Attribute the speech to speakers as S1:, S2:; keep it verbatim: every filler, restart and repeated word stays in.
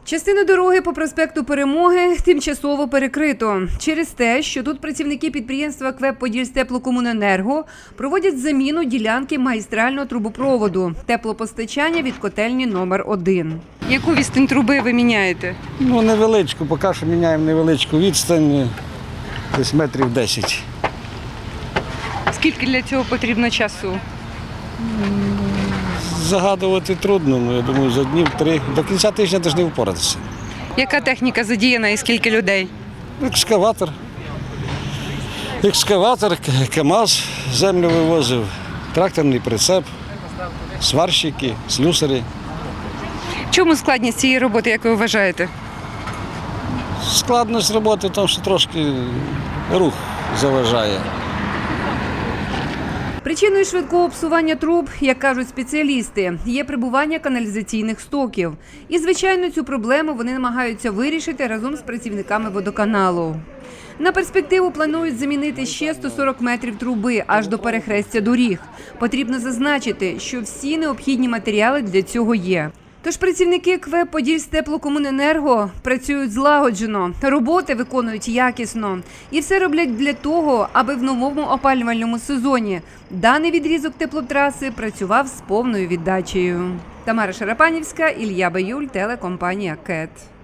S1: Частину дороги по проспекту Перемоги тимчасово перекрито через те, що тут працівники підприємства КВЕП «Подільстеплокомуненерго» проводять заміну ділянки магістрального трубопроводу теплопостачання від котельні номер один. Яку відстань труби ви міняєте?
S2: Ну, невеличку, поки що міняємо невеличку відстань, десь метрів десять.
S1: Скільки для цього потрібно часу?
S2: Загадувати трудно, ну, я думаю, за днів три. До кінця тижня теж не впоратися.
S1: Яка техніка задіяна і скільки людей?
S2: Екскаватор. Екскаватор, КАМАЗ землю вивозив, тракторний прицеп, сварщики, слюсарі.
S1: Чому складність цієї роботи, як ви вважаєте?
S2: Складність роботи в тому, що трошки рух заважає.
S1: Причиною швидкого псування труб, як кажуть спеціалісти, є прибування каналізаційних стоків. І, звичайно, цю проблему вони намагаються вирішити разом з працівниками водоканалу. На перспективу планують замінити ще сто сорок метрів труби аж до перехрестя доріг. Потрібно зазначити, що всі необхідні матеріали для цього є. Тож працівники КВЕП «Подільстеплокомуненерго» працюють злагоджено, роботи виконують якісно. І все роблять для того, аби в новому опалювальному сезоні даний відрізок теплотраси працював з повною віддачею. Тамара Шарапанівська, Ілля Баюль, телекомпанія КЕТ.